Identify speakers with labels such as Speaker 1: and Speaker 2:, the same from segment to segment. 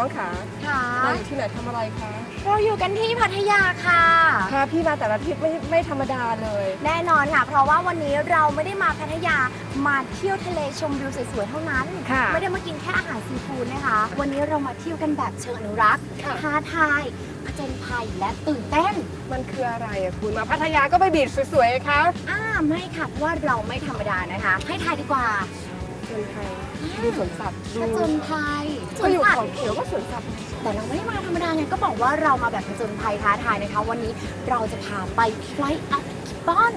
Speaker 1: องค่ะเราอยู่ที่ไหนทำอะไรคะ
Speaker 2: เราอยู่กันที่พัทยาค่ะ
Speaker 1: ค่ะพี่มาแต่ละทริปไม่ธรรมดาเลย
Speaker 2: แน่นอนค่ะเพราะว่าวันนี้เราไม่ได้มาพัทยามาเที่ยวทะเลชมวิวสวยๆเท่านั้นไม่ได้มากินแค่อาหารซีฟู้ดนะคะวันนี้เรามาเที่ยวกันแบบเชิงอนุรักษ์ท้าทายผจญภัยและตื่นเต้น
Speaker 1: มันคืออะไรอะคุณมาพัทยาก็ไปบีชสวยๆคะ
Speaker 2: ไม่ค่ะเพราะว่าเราไม่ธรรมดานะคะให้ทายดีกว่า
Speaker 1: ผจญภัยดูสวนสัตว์
Speaker 2: ผจญภัย
Speaker 1: ก็อยู่เขาเขียวก็สวนสัตว์
Speaker 2: แต่เราไม่ได้มาธรรมดาไงก็บอกว่าเรามาแบบผจญภัยท้าทายนะคะวันนี้เราจะพาไป Flight of the Gibbon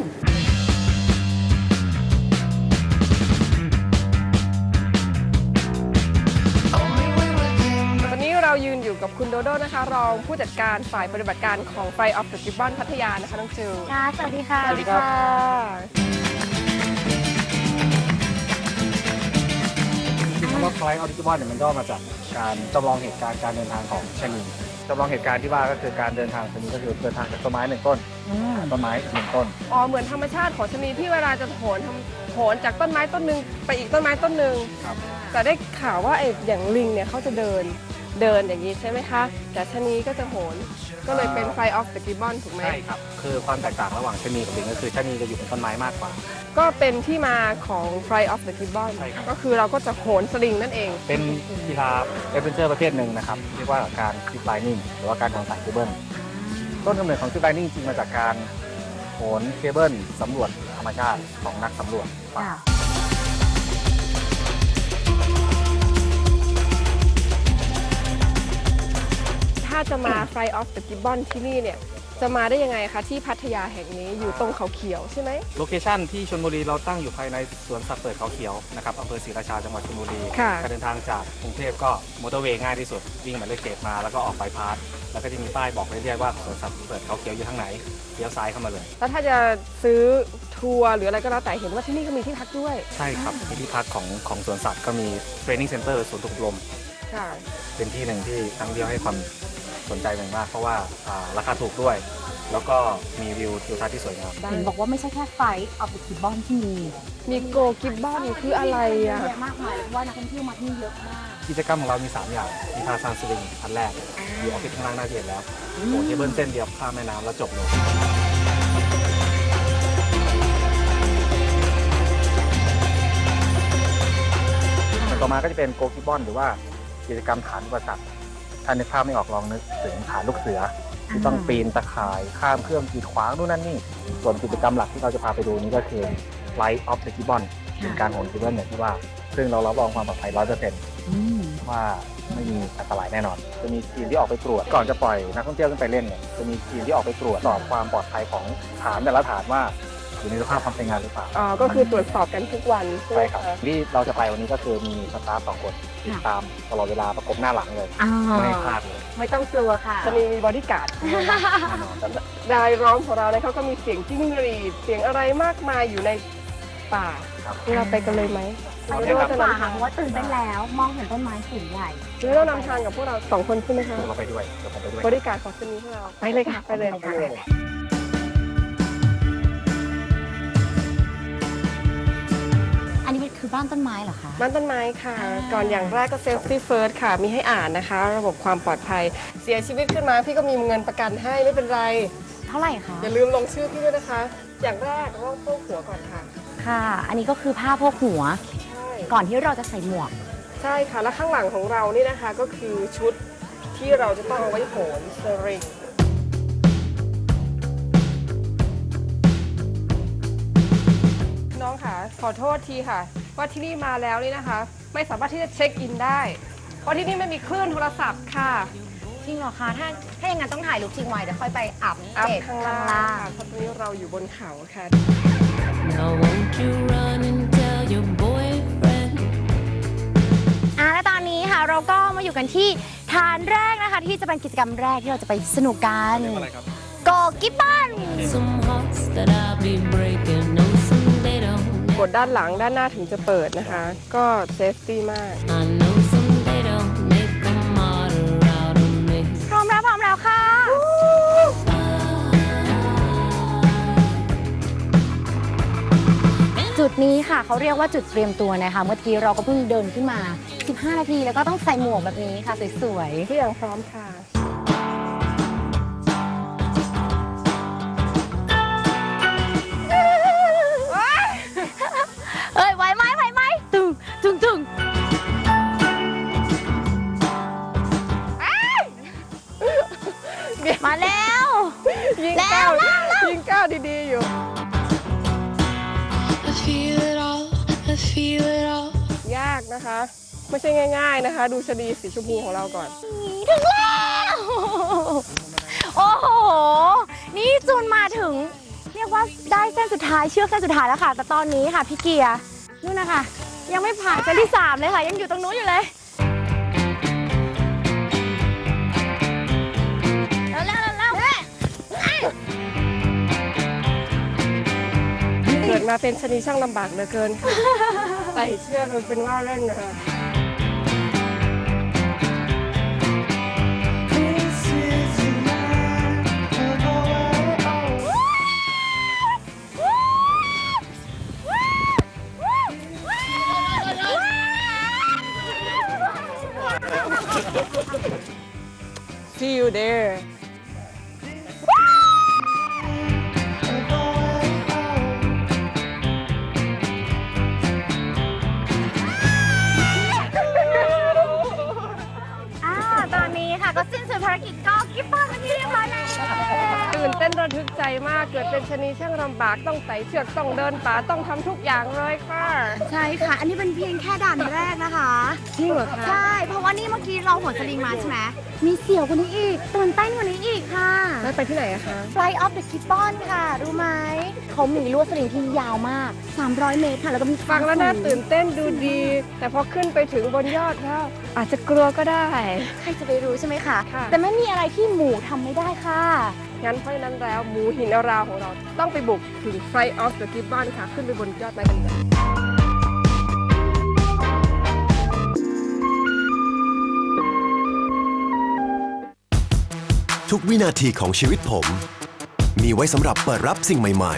Speaker 1: เรายืนอยู่กับคุณโดโดนะคะรองผู้จัดการฝ่ายปฏิบัติการของ Flight of the Gibbon พัทยานะคะน้องจิว
Speaker 2: ค่ะสวัสดีค่ะ
Speaker 1: สวัสดีค่ะ
Speaker 3: คำว่า Flight of the Gibbon เนี่ยมันก็มาจากการจำลองเหตุการณ์การเดินทางของชะนีจำลองเหตุการณ์ที่ว่าก็คือการเดินทางชะนีก็คือเดินทางจากต้นไม้หนึ่งต้นต้นไม้หนึ่งต้น
Speaker 1: เหมือนธรรมชาติของชะนีที่เวลาจะโหนจากต้นไม้ต้นหนึ่งไปอีกต้นไม้ต้นหนึ่งแต่ได้ข่าวว่าอย่างลิงเนี่ยเขาจะเดินอย่างนี้ใช่ไหมคะแต่ชะนีก็จะโหนก็เลยเป็น Flight of the Gibbon ถูกไหม
Speaker 3: ใช่ครับคือความแตกต่างระหว่างชะนีกับลิงก็คือชะนีจะอยู่บนต้นไม้มากกว่า
Speaker 1: ก็เป็นที่มาของ Flight of the Gibbon ก็คือเราก็จะโหนสลิงนั่นเอง
Speaker 3: เป็นกีฬาแอดเวนเจอร์ประเภทหนึ่งนะครับเรียกว่าการซิปไลนิ่งหรือว่าการโหนสายเคเบิลต้นกำเนิดของซิปไลนิ่งจริงมาจากการโหนเคเบิลสำรวจธรรมชาติของนักสำรวจป่า
Speaker 1: ถ้าจะมา Flight of the Gibbon ที่นี่เนี่ยจะมาได้ยังไงคะที่พัทยาแห่งนี้อยู่ตรงเขาเขียวใช่ไหม
Speaker 3: โลเคชั่นที่ชลบุรีเราตั้งอยู่ภายในสวนสัตว์เปิดเขาเขียวนะครับอำเภอศรีราชาจังหวัดชลบุรีการเดินทางจากกรุงเทพก็มอเตอร์เวย์ง่ายที่สุดวิ่งหมายเลข7มาแล้วก็ออกบายพาสแล้วก็จะมีป้ายบอกเรื่อยๆว่าสวนสัตว์เปิดเขาเขียวอยู่ทางไหนเลี้ยวซ้ายเข้ามาเลย
Speaker 1: แล้วถ้าจะซื้อทัวร์หรืออะไรก็แล้วแต่เห็นว่าที่นี่ก็มีที่พักด้วย
Speaker 3: ใช่ครับมีที่พักของสวนสัตว์ก็มีเทรนนิ่งเซ็นเตอร์สวนฝึกอบรมเป็นที่หนึ่งที่นักท่องเที่ยวให้ความสนใจเป็นมากเพราะว่าราคาถูกด้วยแล้วก็มีวิวทิวทัศน์ที่สวยงาม
Speaker 2: เห็นบอกว่าไม่ใช่แค่Flight of the Gibbonที่มี
Speaker 1: โกกิบบอนคืออะไรอะ
Speaker 2: เยอะมากมายเพราะว่านักท่องเที่ยวมาที่นี่เยอะมาก
Speaker 3: กิจกรรมของเรามี3อย่างมีท่าสร้างสลิงอันแรกอยู่ออฟฟิศข้างล่างหน้าเห็นแล้วโหนเคเบิลเส้นเดียวข้ามแม่น้ำแล้วจบเลยต่อมาก็จะเป็นโกกิบบอนหรือว่ากิจกรรมฐานอุปสรรคถ้านึกภาพไม่ออกลองนึกถึงฐานลูกเสือที่ต้องปีนตะข่ายข้ามเครื่องกีดขวางนู่นนั่นนี่ส่วนกิจกรรมหลักที่เราจะพาไปดูนี้ก็คือ Flight of the Gibbon เป็นการโหนเคเบิลอย่างที่ว่าซึ่งเรารับรองความปลอดภัย 100% ว่าไม่มีอันตรายแน่นอนจะมีทีมที่ออกไปตรวจก่อนจะปล่อยนักท่องเที่ยวขึ้นไปเล่นเนี่ยจะมีทีมที่ออกไปตรวจสอบความปลอดภัยของฐานแต่ละฐานว่าอยู่ในสภาพความเป็นงานหรือเปล่า
Speaker 1: ก็คือตรวจสอบกันทุกวัน
Speaker 3: ใช่ครับที่เราจะไปวันนี้ก็คือมีสตาฟ2 คนติดตามตลอดเวลาประกบหน้าหลังเลยไม่ให้พลาดเลย
Speaker 2: ไม่ต้องกลัวค่ะ
Speaker 1: จะมีบอดี้การ์ดรายร้องของเราเนี่ยเขาก็มีเสียงจิ้งหรีดเสียงอะไรมากมายอยู่ในป่าเราไปกันเลยไหม
Speaker 2: ไปด้วยป่าเพราะว่าตื่นเต้นแล้วมองเห็นต้นไม้สูงใหญ่
Speaker 1: หรือเรานำทางกับพวกเรา2 คนใช่ไหมคะ
Speaker 3: เราไปด้วยเดี๋ยวผมไปด้วย
Speaker 1: บริการของชนีพวกเราไปเลยค่ะไปเลย
Speaker 2: อันนี้คือบ้านต้นไม้เหรอคะ
Speaker 1: บ้านต้นไม้ค่ะก่อนอย่างแรกก็ Safety First ค่ะมีให้อ่านนะคะระบบความปลอดภัยเสียชีวิตขึ้นมาพี่ก็มีเงินประกันให้ไม่เป็นไร
Speaker 2: เท่าไหร่คะ
Speaker 1: อย่าลืมลงชื่อพี่ด้วยนะคะอย่างแรกเราต้องโพกหัวก่อนค่ะ
Speaker 2: ค่ะอันนี้ก็คือผ้าโพกหัวก่อนที่เราจะใส่หมวก
Speaker 1: ใช่ค่ะและข้างหลังของเรานี่นะคะก็คือชุดที่เราจะต้องเอาไว้โหนสลิงน้องค่ะขอโทษทีค่ะว่าที่นี่มาแล้วนี่นะคะไม่สามารถที่จะเช็คอินได้เพราะที่นี่ไม่มีคลื่นโทรศัพท์ค่ะ
Speaker 2: จริงเหรอคะถ้าอย่างนั้นต้องถ่ายรูปจริงไว้เดี๋ยวค่อยไปอัพ
Speaker 1: ข้างล่างเพราะตอนนี้เราอยู่บนเขาค่ะ
Speaker 2: และตอนนี้ค่ะเราก็มาอยู่กันที่ฐานแรกนะคะที่จะเป็นกิจกรรมแรกที่เราจะไปสนุกกันโกกิบบอน
Speaker 1: กดด้านหลังด้านหน้าถึงจะเปิดนะคะก็เซฟตี้มาก
Speaker 2: พร้อมแล้วค่ะจุดนี้ค่ะเขาเรียกว่าจุดเตรียมตัวนะคะเมื่อกี้เราก็เพิ่งเดินขึ้นมา 15 นาทีแล้วก็ต้องใส่หมวกแบบนี้ค่ะสวยๆ
Speaker 1: ทุกอย่างพร้อมค่ะ
Speaker 2: เอ้ยไหวไหมไหวไหมตึงตึงตึงมาแล้ว
Speaker 1: ยิง
Speaker 2: แล้ว
Speaker 1: ก้าว
Speaker 2: แล้วแล้ว
Speaker 1: ยิงก้าวดีๆอยู่
Speaker 4: I feel it all, I feel it all.
Speaker 1: ยากนะคะ ไม่ใช่ง่าย ๆนะคะ ดูชะนีสีชมพูของเราก่อน
Speaker 2: ถึงแล้วโอ้โหนี่จูนมาถึงเรียกว่าได้เส้นสุดท้ายเชือกเส้นสุดท้ายแล้วค่ะแต่ตอนนี้ค่ะพี่เกียร์นู่นนะคะยังไม่ผ่านเส้นที่3เลยค่ะยังอยู่ตรงนู้นอยู่เลย
Speaker 1: เกิดมาเป็นชะนีช่างลำบากเหลือเกินค่ะ ใส่เชือกมันเป็นว่าเล่นนะคะ See you there.
Speaker 2: ตอนนี้ค่ะก็สิ้นสุดภารกิจก็กิ๊บบ้านเป็นที่เรียบร้อยแล้ว
Speaker 1: ตื่นเต้นระทึกใจมาก เกิดเป็นชะนีช่างลำบากต้องไต่เชือกต้องเดินป่าต้องทำทุกอย่างเลยค่ะ
Speaker 2: ใช่ค่ะ อันนี้เป็นเพียงแค่ด่านแรกนะคะ
Speaker 1: จริงเหรอคะ
Speaker 2: ใช่ เพราะว่านี่เมื่อกี้เราโหนสลิงมาใช่ไหมมีเสี่ยวกว่านี้อีกตื่นเต้นกว่านี้อีกค่ะ
Speaker 1: แล้วไปที่ไหนอะคะ
Speaker 2: Fly of the Gibbon ค่ะ รู้ไหม เขามีลวดสลิงที่ยาวมาก 300 เมตรค่ะ แล้วก็มี
Speaker 1: ฟังแล้วน่าตื่นเต้นดูดี แต่พอขึ้นไปถึงบนยอดแล้วอาจจะกลัวก็ได้
Speaker 2: ใครจะไปรู้ใช่ไหมคะ
Speaker 1: ค่ะ
Speaker 2: แต่ไม่มีอะไรที่หมูทำไม่ได้ค่ะ
Speaker 1: งั้นเพราะฉะนั้นแล้วหมูหินอาราวของเราต้องไปบุกถึง Flight of the Gibbon ค่ะ ขึ้นไปบนยอดไม้กันเลย
Speaker 5: ทุกวินาทีของชีวิตผม มีไว้สำหรับเปิดรับสิ่งใหม่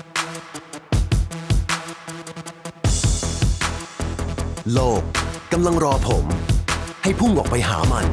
Speaker 5: ๆ โลกกำลังรอผม ให้พุ่งออกไปหามัน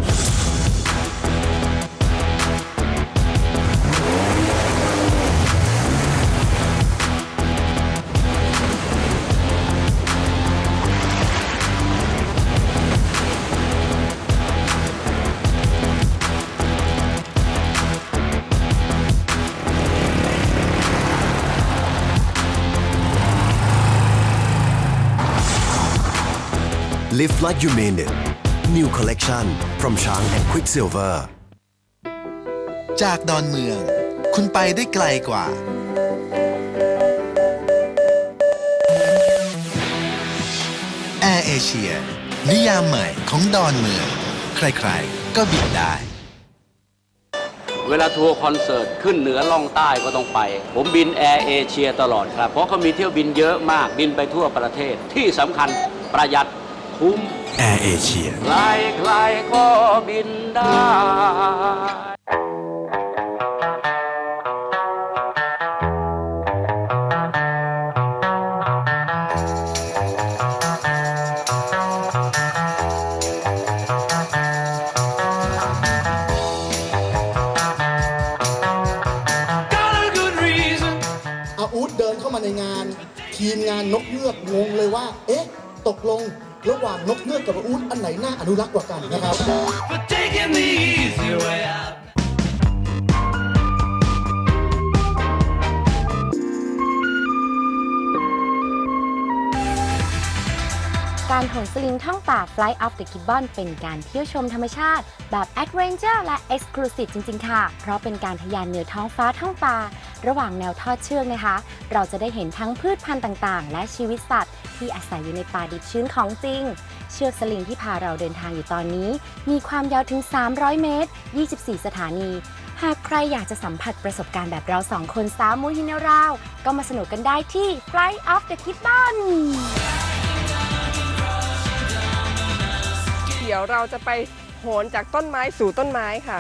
Speaker 5: Live like you mean it. New collection from Chang and Quicksilver.
Speaker 6: จากดอนเมือง คุณไปได้ไกลกว่า Air Asia นิยามใหม่ของดอนเมือง ใครๆ ก็บินได้
Speaker 7: เวลาทัวร์คอนเสิร์ตขึ้นเหนือล่องใต้ก็ต้องไป ผมบินแอร์เอเชียตลอดครับ เพราะเขามีเที่ยวบินเยอะมากบินไปทั่วประเทศที่สำคัญประหยัดคุ้ม
Speaker 5: Air Asia
Speaker 7: ใครๆก็บินได้
Speaker 8: อาอูดเดินเข้ามาในงาน ทีมงานนกเงือกงงเลยว่า เอ๊ะ ตกลงระหว่างนกเงือกกับอาอูดอันไหนน่าอนุรักษ์กว่ากันนะครับ
Speaker 2: การโหนสลิงท่องป่า Fly of the Gibbon เป็นการเที่ยวชมธรรมชาติแบบ Adventure และ Exclusive จริงๆ ค่ะ เพราะเป็นการทะยานเหนือท้องฟ้าท่องป่า ระหว่างแนวทอดเชือกนะคะ เราจะได้เห็นทั้งพืชพันธุ์ต่างๆ และชีวิตสัตว์ที่อาศัยอยู่ในป่าดิบชื้นของจริง เชือกสลิงที่พาเราเดินทางอยู่ตอนนี้ มีความยาวถึง 300 เมตร 24 สถานี หากใครอยากจะสัมผัสประสบการณ์แบบเรา2 คนสาวมูฮินาราว ก็มาสนุกกันได้ที่ Fly of the Gibbon
Speaker 1: เดี๋ยวเราจะไปโหนจากต้นไม้สู่ต้นไม้ค่ะ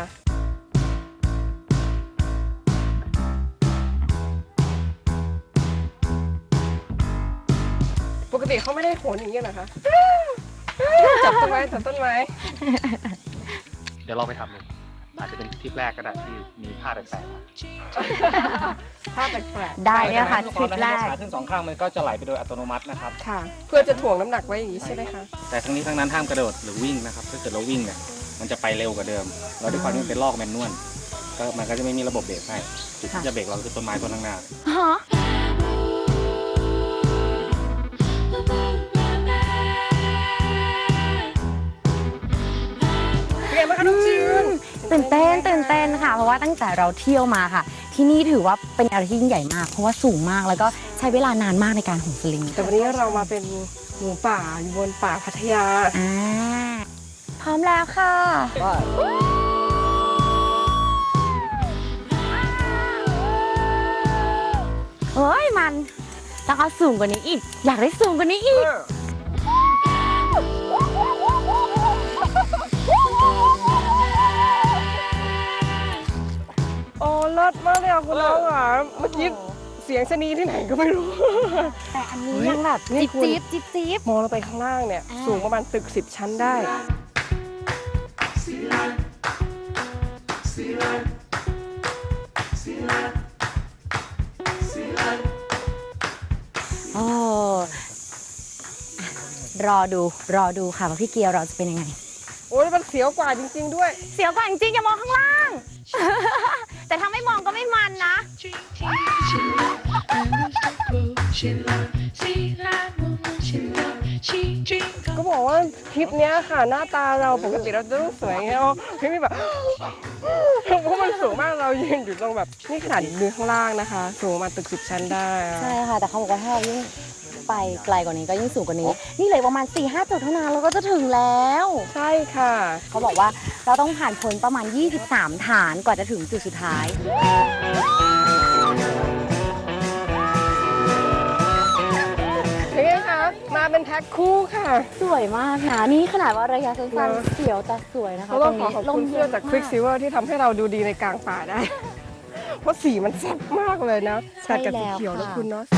Speaker 1: ติเขาไม่ได้โหนอย่างนี้นะคะจับต้นไม้จับต้นไม้
Speaker 3: เดี๋ยวเราไปทำเลยอาจจะเป็นทริปแรกก็ได้ที่มีท่าแปลกๆมา
Speaker 1: ท่าแปลก
Speaker 2: ได้เนี่ยค่ะทริปแรก
Speaker 3: ขาขึ้น2ข้างมันก็จะไหลไปโดยอัตโนมัตินะครับ
Speaker 1: ๆค่ะ เพื่อจะถ่วงน้ำหนักไว้อย่างนี้ใช่ไหมคะ
Speaker 3: แต่ทั้งนี้ทั้งนั้นห้ามกระโดดหรือวิ่งนะครับถ้าเกิดเราวิ่งเนี่ยมันจะไปเร็วกว่าเดิมเราด้วยความที่มันเป็นลอกแมนนวลก็มันก็จะไม่มีระบบเบรกให้จุดที่จะเบรกเราคือต้นไม้ต้นข้างหน้า
Speaker 2: ฮะ
Speaker 1: เป็นไงบ้างคะน้องจืน
Speaker 2: ตื่นเต้นค่ะ เพราะว่าตั้งแต่เราเที่ยวมาค่ะ ที่นี่ถือว่าเป็นอะไรที่ยิ่งใหญ่มาก เพราะว่าสูงมากแล้วก็ใช้เวลานานมากในการโหนสลิง
Speaker 1: แต่วันนี้เรามาเป็นหมูป่าอยู่บนป่าพัทยา
Speaker 2: พร้อมแล้วค่ะเฮ้ยมันต้องเอาสูงกว่านี้อีก อยากได้สูงกว่านี้อีก
Speaker 1: โอ้เลิศมากเลยอ่ะคุณน้องอ่ะเมื่อกี้เสียงชะนีที่ไหนก็ไม่รู้
Speaker 2: แต่อันนี้ยังแบบ
Speaker 1: นี่คุณ
Speaker 2: จิ๊บ
Speaker 1: มองลงไปข้างล่างเนี่ย สูงประมาณตึก10 ชั้นได้
Speaker 2: โอ้รอดูค่ะว่าพี่เกียร์เราจะเป็นยังไง
Speaker 1: โอ้ยมันเสียวกว่าจริงๆด้วย
Speaker 2: เสียวกว่าจริงๆอย่ามองข้างล่าง แต่ถ้าไม่มองก็ไม่มันนะ
Speaker 1: ก็บอกว่าทริปเนี้ยค่ะหน้าตาเราปกติเราจะต้องสวยไงอ๋อพี่มีแบบ เพราะมันสูงมากเรายืนอยู่ตรงแบบนี่ขนาดยืนข้างล่างนะคะ สูงมาตึก10 ชั้นได้อะ
Speaker 2: ใช่ค่ะ แต่เขาบอกว่าถ้าเรายิ่งไปไกลกว่านี้ก็ยิ่งสูงกว่านี้ นี่เหลือประมาณ 4-5 จุดเท่านั้นเราก็จะถึงแล้ว
Speaker 1: ใช่ค่ะ
Speaker 2: เขาบอกว่าเราต้องผ่านพ้นประมาณ 23 ฐานกว่าจะถึงจุดสุดท้าย
Speaker 1: เป็นไงคะมาเป็นแพ็คคู่ค่ะ
Speaker 2: สวยมากนะ นี่ขนาดว่าระยะสั้นๆเสียวแต่สวยนะคะ
Speaker 1: เราต้องขอขอบคุณเสื้อจาก Quick Silver ที่ทำให้เราดูดีในกลางป่าได้ เพราะสีมันแซ่บมากเลยนะตัดกับสีเขียวแล้วคุณเนาะ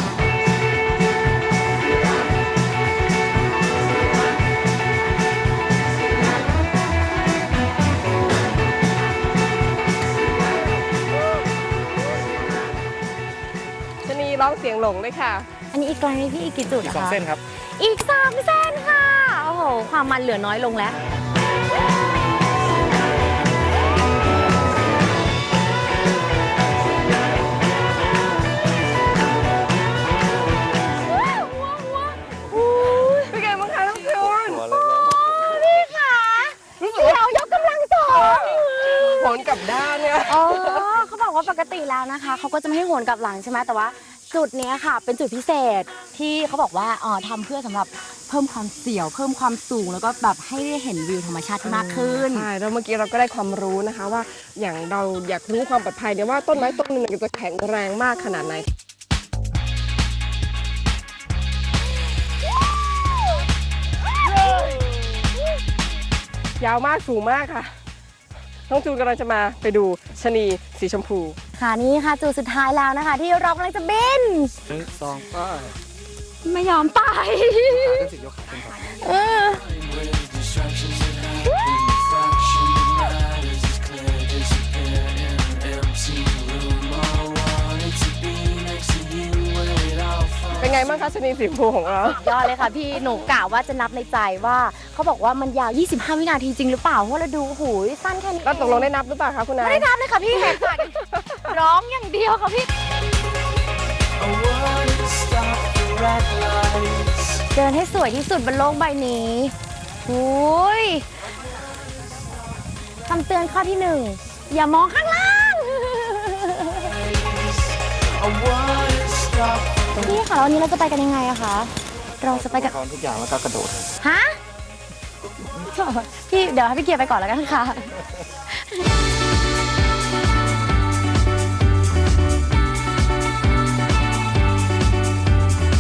Speaker 1: ชะนีร้องเสียงหลงด้วยค่ะ
Speaker 2: อันนี้อีกไกลไหมพี่อีกกี่จุด
Speaker 3: อีก
Speaker 2: นะคะ
Speaker 3: 2 เส้นครับ
Speaker 2: อีก3 เส้นค่ะ โอ้โห ความมันเหลือน้อยลงแล้ว
Speaker 1: เป็นไงบ้างคะน้องจูน
Speaker 2: พี่ค่ะเสียวยกกำลังสอง
Speaker 1: ผลกลับด้านเนี่ย
Speaker 2: อ๋อเขาบอกว่าปกติแล้วนะคะ เขาก็จะไม่ให้โหนกลับหลังใช่ไหมแต่ว่าจุดเนี้ยค่ะ เป็นจุดพิเศษที่เขาบอกว่าทำเพื่อสำหรับเพิ่มความเสียว เพิ่มความสูงแล้วก็แบบให้ได้เห็นวิวธรรมชาติที่มากขึ้น
Speaker 1: ใช่แล้วเมื่อกี้เราก็ได้ความรู้นะคะว่าอย่างเราอยากรู้ความปลอดภัยเนี่ยว่าต้นไม้ต้นหนึ่งจะแข็งแรงมากขนาดไหนยาวมากสูงมากค่ะน้องจูนกำลังจะมาไปดูชะนีสีชมพู
Speaker 2: ค่ะนี่ค่ะจุดสุดท้ายแล้วนะคะ ที่เรากำลังจะบิน
Speaker 3: 1 2 ก็
Speaker 2: ไม่ยอมไป
Speaker 3: ขึ้นสิยกขาขึ้นก่อน
Speaker 2: เออ
Speaker 1: เป็นไงบ้างคะชะนีสีชมพูของเรา
Speaker 2: ยอดเลยค่ะพี่หนูกะว่าจะนับในใจว่าเขาบอกว่ามันยาว 25 วินาทีจริงหรือเปล่าเพราะเราดูหูยสั้นแค่นี้
Speaker 1: แล้วตกลงได้นับหรือเปล่าคะคุณนาย
Speaker 2: ไม่ได้นับเลยค่ะพี่แหกปากร้องอย่างเดียวค่ะพี่ เดินให้สวยที่สุดบนโลกใบนี้อุ้ยคำเตือนข้อที่ 1 อย่ามองข้างล่างพี่ค่ะแล้ววันนี้เราจะไปกันยังไงอะคะ เราจะไปกัน
Speaker 3: พร้อมทุกอย่างแล้วก็กระโดด
Speaker 2: ฮะ พี่เดี๋ยวให้พี่เกียร์ไปก่อนแล้วกันค่ะ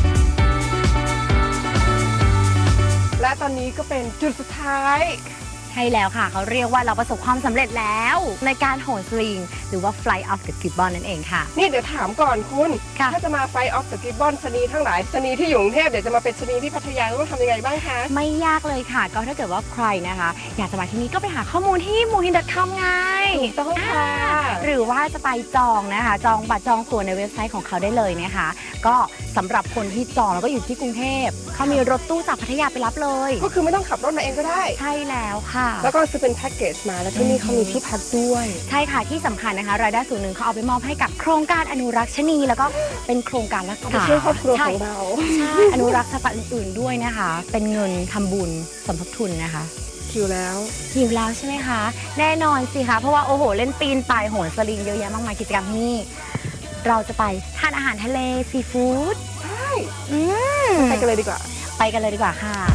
Speaker 1: และตอนนี้ก็เป็นจุดสุดท้าย
Speaker 2: ใช่แล้วค่ะเขาเรียกว่าเราประสบความสำเร็จแล้วในการโหนสลิงหรือว่า Fly off the Gibbon นั่นเองค่ะ
Speaker 1: นี่เดี๋ยวถามก่อนคุณ
Speaker 2: ค่ะ
Speaker 1: ถ้าจะมาไฟออฟสกิบบอนชนีทั้งหลายชนีที่อยู่กรุงเทพเดี๋ยวจะมาเป็นชนีที่พัทยาต้องทำยังไงบ้างคะ
Speaker 2: ไม่ยากเลยค่ะ ก็ถ้าเกิดว่าใครนะคะ อยากจะมาที่นี่ก็ไปหาข้อมูลที่ mohin.com ไง
Speaker 1: ถูกต้องค่ะ
Speaker 2: หรือว่าจะไปจองนะคะ จองบัตรจองตั๋วในเว็บไซต์ของเขาได้เลยนะคะ ก็สำหรับคนที่จองแล้วก็อยู่ที่กรุงเทพเขามีรถตู้จากพัทยาไปรับเลย
Speaker 1: ก็คือไม่ต้องขับรถมาเองก็ได้
Speaker 2: ใช่แล้วค่ะ
Speaker 1: แล้วก็ซื้อเป็นแพ็กเกจมาแล้วที่นี่เขามีที่พักด้วย
Speaker 2: ใช่ค่ะที่สำคัญนะคะ รายได้ส่วนหนึ่งเขาเอาไปมอบให้กับโครงการอนุรักษ์ชะนีแล้วก็เป็นโครงการรัก
Speaker 1: ไป
Speaker 2: ษา
Speaker 1: ช่วยครอบครัว
Speaker 2: ใช่
Speaker 1: ของเรา
Speaker 2: ใช่อนุรักษ์สัตว์ป่าอื่นๆด้วยนะคะ เป็นเงินทำบุญสมทบทุนนะคะ
Speaker 1: คิวแล้ว
Speaker 2: หิวแล้วใช่ไหมคะ แน่นอนสิคะเพราะว่าโอ้โหเล่นปีนป่ายโหนสลิงเยอะแยะมากมายกิจกรรมที่นี่เราจะไปทานอาหารทะเลซีฟู้ด
Speaker 1: ใช่
Speaker 2: ม
Speaker 1: ไปกันเลยดีกว่า
Speaker 2: ไปกันเลยดีกว่าค่ะ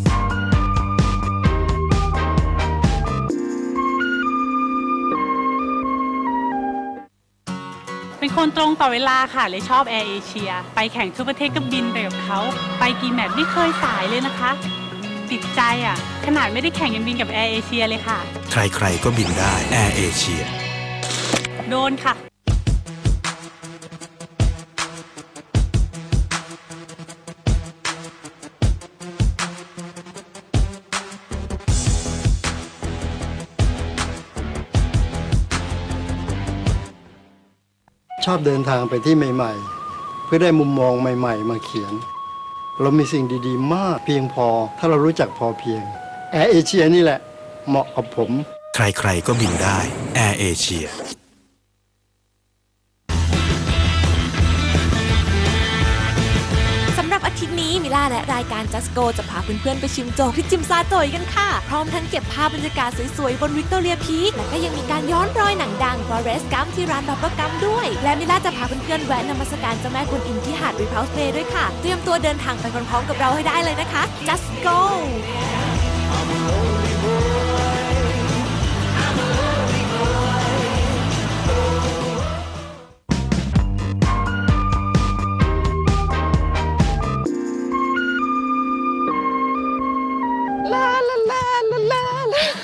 Speaker 9: เป็นคนตรงต่อเวลาค่ะเลยชอบแอร์เอเชียไปแข่งทั่วประเทศก็บินไปกับเขาไปกี่แมตช์ไม่เคยสายเลยนะคะ ติดใจอ่ะขนาดไม่ได้แข่งยังบินกับแอร์เอเชียเลยค่ะ
Speaker 5: ใครๆก็บินได้แอร์เอเชีย
Speaker 9: โดนค่ะ
Speaker 10: ชอบเดินทางไปที่ใหม่ๆ เพื่อได้มุมมองใหม่ๆ มาเขียน เรามีสิ่งดีๆ มากเพียงพอถ้าเรารู้จักพอเพียงแอร์เอเชียนี่แหละเหมาะกับผม
Speaker 5: ใครๆก็บินได้แอร์เอเชีย
Speaker 11: สำหรับอาทิตย์นี้มิล่าและรายการ Just Go จะพาเพื่อนๆไปชิมโจ๊กที่จิมซาโจยกันค่ะ พร้อมทั้งเก็บภาพบรรยากาศสวยๆ บนวิกตอเรียพีคและก็ยังมีการย้อนรอยหนังดัง Forrest Gump ที่ร้านบับเบิ้ลกัมด้วย และมิล่าจะพาเพื่อนๆแวะนมัสการเจ้าแม่กวนอิมที่หาดรีเพาส์เบย์ด้วยค่ะ เตรียมตัวเดินทางไปพร้อมๆกับเราให้ได้เลยนะคะ Just Go
Speaker 1: ลาลาลาลาลาลา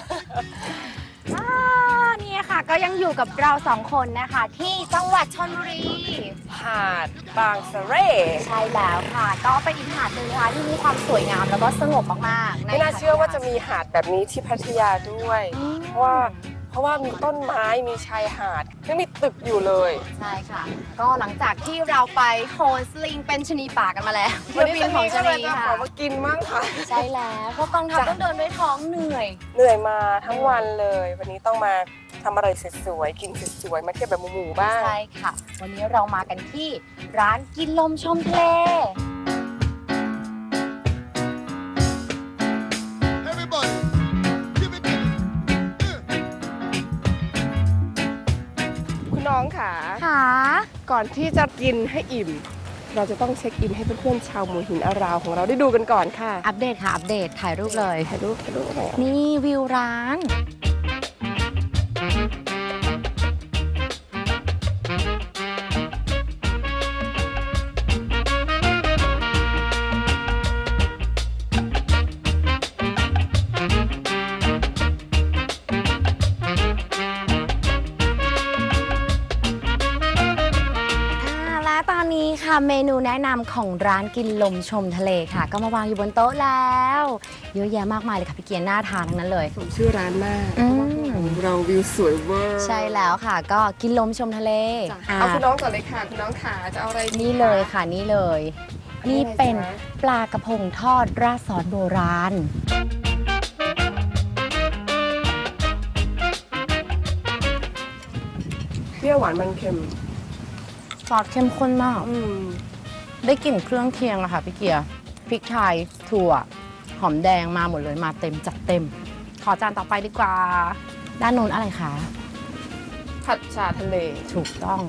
Speaker 2: เนี่ยค่ะก็ยังอยู่กับเราสองคนนะคะ ที่จังหวัดชลบุรี
Speaker 1: หาดบางสะเร่
Speaker 2: ใช่แล้วค่ะ ก็เป็นอีกหาดหนึ่งนะคะที่มีความสวยงามแล้วก็สงบมากๆ
Speaker 1: ไม่น่าเชื่อว่าจะมีหาดแบบนี้ที่พัทยาด้วย เพราะว่ามีต้นไม้มีชายหาดยังมีตึกอยู่เลย
Speaker 2: ใช่ค่ะ ก็หลังจากที่เราไปโฮนสลิงเป็นชะนีป่ากันมาแล้ว
Speaker 1: วันนี้
Speaker 2: เที่ยวบินของชะ
Speaker 1: เลย
Speaker 2: นี
Speaker 1: จะข
Speaker 2: ค่ะ
Speaker 1: อมากินมั่งค่ะ
Speaker 2: ใช่แล้วเพราะกองทัพต้องเดินด้วยท้องเหนื่อย
Speaker 1: เหนื่อยมาทั้งวันเลย วันนี้ต้องมาทำอะไรสวยๆกินสวยๆมาเที่ยวแบบหมู่ๆบ้าง
Speaker 2: ใช่ค่ะ วันนี้เรามากันที่ร้านกินลมชมทะเล
Speaker 1: คุณน้องค่ะ
Speaker 2: ค่ะ
Speaker 1: ก่อนที่จะกินให้อิ่ม เราจะต้องเช็คอินให้เพื่อนๆชาวหมู่หินอาราวของเราได้ดูกันก่อนค่ะ
Speaker 2: อัปเดตค่ะ อัปเดตถ่ายรูปเลย
Speaker 1: ถ่ายรูปอะไร
Speaker 2: นี่วิวร้าน และตอนนี้ค่ะเมนูแนะนำของร้านกินลมชมทะเลค่ะ ก็มาวางอยู่บนโต๊ะแล้วเยอะแยะมากมายเลยค่ะพี่เกียร์น่าทานทั้งนั้นเลย
Speaker 1: สมชื่อร้านมาก
Speaker 2: อืม
Speaker 1: เราวิวสวยเวอร์
Speaker 2: ใช่แล้วค่ะ ก็กินลมชมทะเล
Speaker 1: จ้ะเอาคุณน้องก่อนเลยค่ะ คุณน้องขาจะเอาอะไรดี
Speaker 2: นี่เลยค่ะนี่เลย นี่เป็น
Speaker 1: อะไรจ๊ะ
Speaker 2: ปลากระพงทอดราดซอสโบราณ
Speaker 1: เปรี้ยวหวานมันเค็ม
Speaker 2: ซอสเข้มข้นมาก
Speaker 1: อืม
Speaker 2: ได้กลิ่นเครื่องเคียงอะค่ะพี่เกียร์พริกไทยถั่ว หอมแดงมาหมดเลยมาเต็มจัดเต็ม ขอจานต่อไปดีกว่า ด้านโน้นอะไรคะ
Speaker 1: ผัดชาทะเล
Speaker 2: ถูกต้อง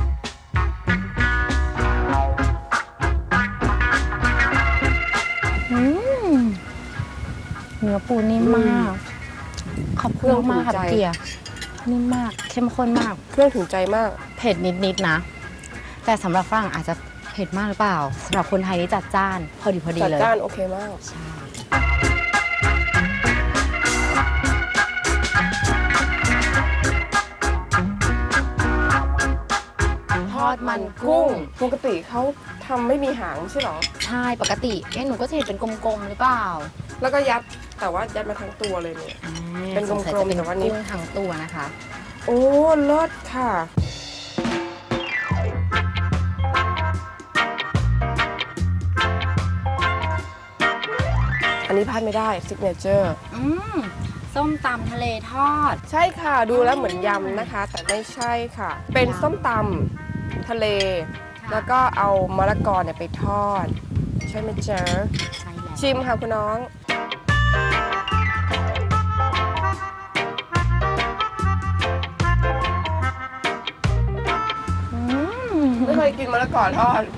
Speaker 2: เนื้อปูนิ่มมาก ขอบคุณมากค่ะพี่เกียร์นิ่มมากเข้มข้นมาก
Speaker 1: เครื่องถึงใจมาก
Speaker 2: เผ็ดนิดๆนะ แต่สำหรับฝรั่งอาจจะเผ็ดมากหรือเปล่าสำหรับคนไทยนี่จัดจ้านพอดี
Speaker 1: จัด
Speaker 2: เลย
Speaker 1: จ้านโอเคมาก
Speaker 2: ใช่ดมันกุ้ง
Speaker 1: ปกติเขาทำไม่มีหางไม่ใช่หรอ
Speaker 2: ใช่ปกติหนูก็จะเห็นเป็นกลมๆหรือเปล่า
Speaker 1: แล้วก็ยัดแต่ว่ายัดมาทั้งตัวเลยเนี่ย เป็นกลมๆแต่ว่านี้
Speaker 2: กุ้งทั้งตัวนะคะ
Speaker 1: โอ้เลิศค่ะ อันนี้พลาดไม่ได้ซิกเนเจอร์
Speaker 2: ส้มตำทะเลทอด
Speaker 1: ใช่ค่ะดูแล้วเหมือนยำนะคะ แต่ไม่ใช่ค่ะ เป็นส้มตำทะเล แล้วก็เอามะละกอเนี่ยไปทอด ใช่ไหมเจ๊ใช่แล้วชิมค่ะคุณน้องไม่เคยกินมะละกอทอด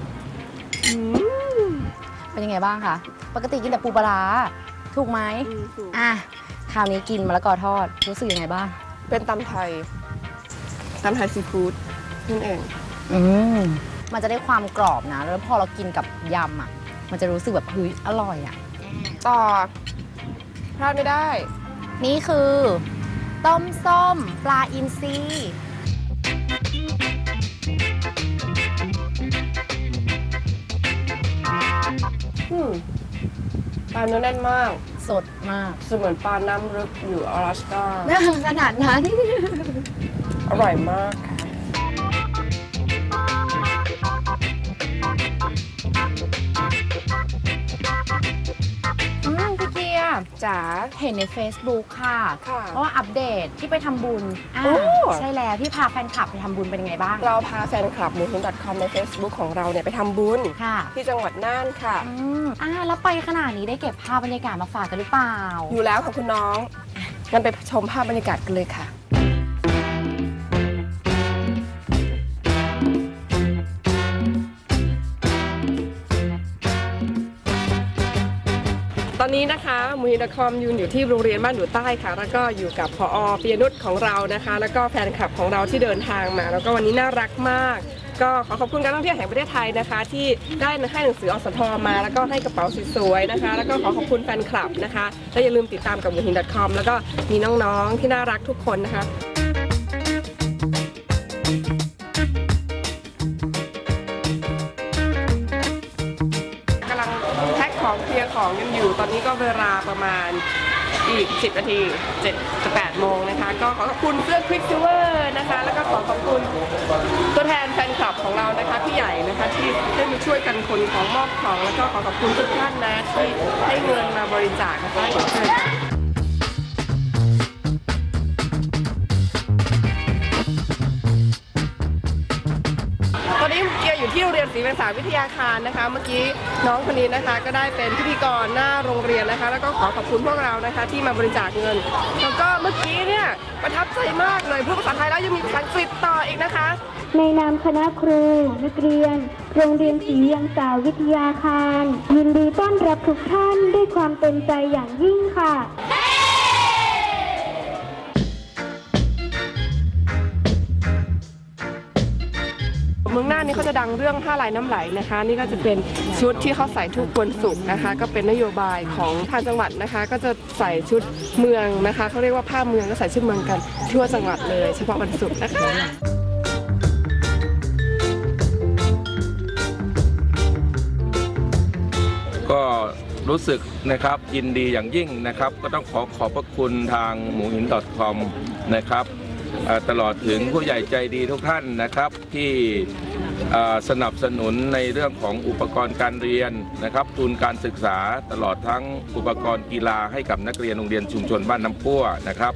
Speaker 2: เป็นยังไงบ้างคะปกติกินแต่ปูปลาร้าถูกไหมคราวนี้กินมะละกอทอดรู้สึกยังไงบ้าง
Speaker 1: เป็นตำไทยซีฟู้ดนั่นเอง
Speaker 2: มันจะได้ความกรอบนะแล้วพอเรากินกับยำอ่ะมันจะรู้สึกแบบเฮ้ยอร่อยอ่ะ
Speaker 1: ต่อพลาดไม่ได้
Speaker 2: นี่คือต้มส้มปลาอินทรี
Speaker 1: ปลาเนื้อแน่นมาก
Speaker 2: สดมาก
Speaker 1: เสมือนปลาน้ำลึกอยู่อลาสก้า
Speaker 2: ขนาดนั้น
Speaker 1: อร่อยมากค่ะ
Speaker 2: พี่เกียร์จ๋าเห็นใน Facebook ค่ะเพราะว่าอัปเดตที่ไปทำบุญใช่แล้วพี่พาแฟนคลับไปทำบุญเป็นยังไงบ้าง
Speaker 1: เราพาแฟนคลับmoonhin.com ใน Facebook ของเราเนี่ยไปทำบุญที่จังหวัดน่านค่ะ
Speaker 2: แล้วไปขนาดนี้ได้เก็บภาพบรรยากาศมาฝากกันหรือเปล่า
Speaker 1: อยู่แล้วค่ะคุณน้องงั้นไปชมภาพบรรยากาศกันเลยค่ะตอนนี้นะคะmoonhin.com ยืนอยู่ที่โรงเรียนบ้านดูใต้ค่ะแล้วก็อยู่กับผอ.ปิยนุชของเรานะคะแล้วก็แฟนคลับของเราที่เดินทางมาแล้วก็วันนี้น่ารักมากก็ขอขอบคุณการท่องเที่ยวแห่งประเทศไทยนะคะที่ได้ให้หนังสืออสทมาแล้วก็ให้กระเป๋าสวยๆนะคะแล้วก็ขอขอบคุณแฟนคลับนะคะและอย่าลืมติดตามกับmoonhin.com แล้วก็มีน้องๆที่น่ารักทุกคนนะคะของเคลียร์ของกันอยู่ตอนนี้ก็เวลาประมาณอีก10 นาที7 จะ 8 โมงนะคะก็ขอขอบคุณเสื้อ Quicksilver นะคะแล้วก็ขอขอบคุณตัวแทนแฟนคลับของเรานะคะพี่ใหญ่นะคะที่ได้มาช่วยกันขนของมอบของแล้วก็ขอขอบคุณทุกท่านนะที่ให้เงินมาบริจาคนะคะขอบคุณค่ะตอนนี้เกียร์อยู่ที่โรงเรียนศรีเวียงสาวิทยาคารนะคะเมื่อกี้น้องคนนี้นะคะก็ได้เป็นพิธีกรหน้าโรงเรียนนะคะแล้วก็ขอขอบคุณพวกเรานะคะที่มาบริจาคเงินแล้วก็เมื่อกี้เนี่ยประทับใจมากเลยพูดภาษาไทยแล้วยังมีภาษาอังกฤษต่ออีกนะคะ
Speaker 12: ในนามคณะครูนักเรียนโรงเรียนศรีเวียงสาวิทยาคารยินดีต้อนรับทุกท่านด้วยความเต็มใจอย่างยิ่งค่ะ
Speaker 1: เมืองน่านนี่เขาจะดังเรื่องผ้าลายน้ำไหลนะคะนี่ก็จะเป็นชุดที่เขาใส่ทุกวันศุกร์นะคะก็เป็นนโยบายของทางจังหวัดนะคะก็จะใส่ชุดเมืองนะคะเขาเรียกว่าผ้าเมืองก็ใส่ชุดเมืองกันทั่วจังหวัดเลยเฉพาะวันศุกร์นะคะ
Speaker 13: ก็รู้สึกนะครับยินดีอย่างยิ่งนะครับก็ต้องขอบพระคุณทางmoonhin.com นะครับตลอดถึงผู้ใหญ่ใจดีทุกท่านนะครับที่สนับสนุนในเรื่องของอุปกรณ์การเรียนนะครับทุนการศึกษาตลอดทั้งอุปกรณ์กีฬาให้กับนักเรียนโรงเรียนชุมชนบ้านน้ำพั่วนะครับ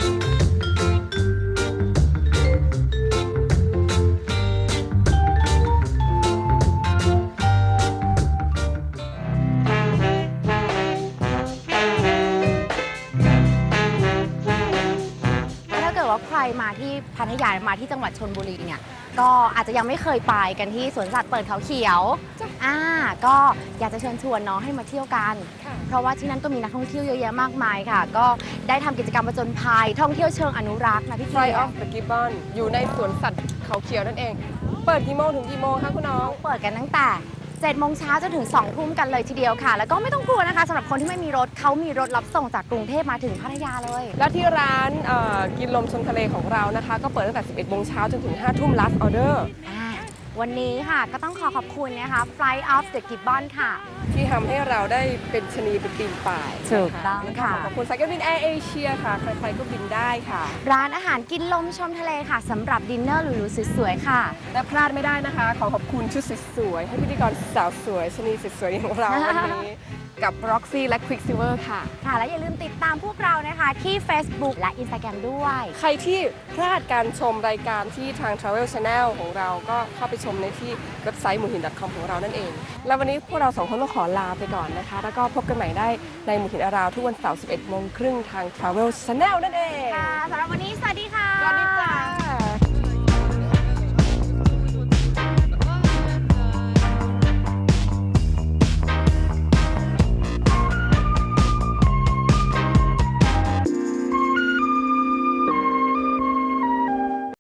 Speaker 2: ใครมาที่พัทยามาที่จังหวัดชลบุรีเนี่ยก็อาจจะยังไม่เคยไปกันที่สวนสัตว์เปิดเขาเขียวก็อยากจะเชิญชวนน้องให้มาเที่ยวกันเพราะว่าที่นั่นก็มีนักท่องเที่ยวเยอะแยะมากมายค่ะก็ได้ทำกิจกรรมผจญภัยท่องเที่ยวเชิงอนุรักษ์นะพี่
Speaker 1: Fly off the Gibbon อยู่ในสวนสัตว์เขาเขียวนั่นเองเปิดกี่โมงถึงกี่โมงคะคุณน้อง
Speaker 2: เปิดกันตั้งแต่7 โมงเช้าจนถึง2 ทุ่มกันเลยทีเดียวค่ะแล้วก็ไม่ต้องกลัวนะคะสำหรับคนที่ไม่มีรถเขามีรถรับส่งจากกรุงเทพมาถึงพัทยาเลย
Speaker 1: แล้วที่ร้านกินลมชมทะเลของเรานะคะก็เปิดตั้งแต่11 โมงเช้าจนถึง5 ทุ่ม last order
Speaker 2: วันนี้ค่ะก็ต้องขอบคุณนะคะ Flight of the Gibbon ค่ะ
Speaker 1: ที่ทำให้เราได้เป็นชะนีเป็นปีนป่าย
Speaker 2: ถูกต้องค่ะ
Speaker 1: ขอบคุณสายการบินแอร์เอเชียค่ะใครๆก็บินได้ค่ะ
Speaker 2: ร้านอาหารกินลมชมทะเลค่ะสำหรับดินเนอร์หรูๆสวยๆค่ะ
Speaker 1: และพลาดไม่ได้นะคะขอบคุณชุดสวยๆให้พิธีกรสาวสวยชะนีสวยๆของเราวันนี้กับ Roxy และ Quicksilver ค่ะ
Speaker 2: ค่ะและอย่าลืมติดตามพวกเรานะคะที่ Facebook และ Instagram ด้วย
Speaker 1: ใครที่พลาดการชมรายการที่ทาง Travel Channel ของเราก็เข้าไปชมในที่เว็บไซต์หมูหิน .com ของเรานั่นเอง แล้ววันนี้พวกเราสองคนต้องขอลาไปก่อนนะคะแล้วก็พบกันใหม่ได้ในหมูหินอาราวทุกวันเสาร์ 11:30 นทาง Travel Channel นั่นเอง
Speaker 2: ค่ะ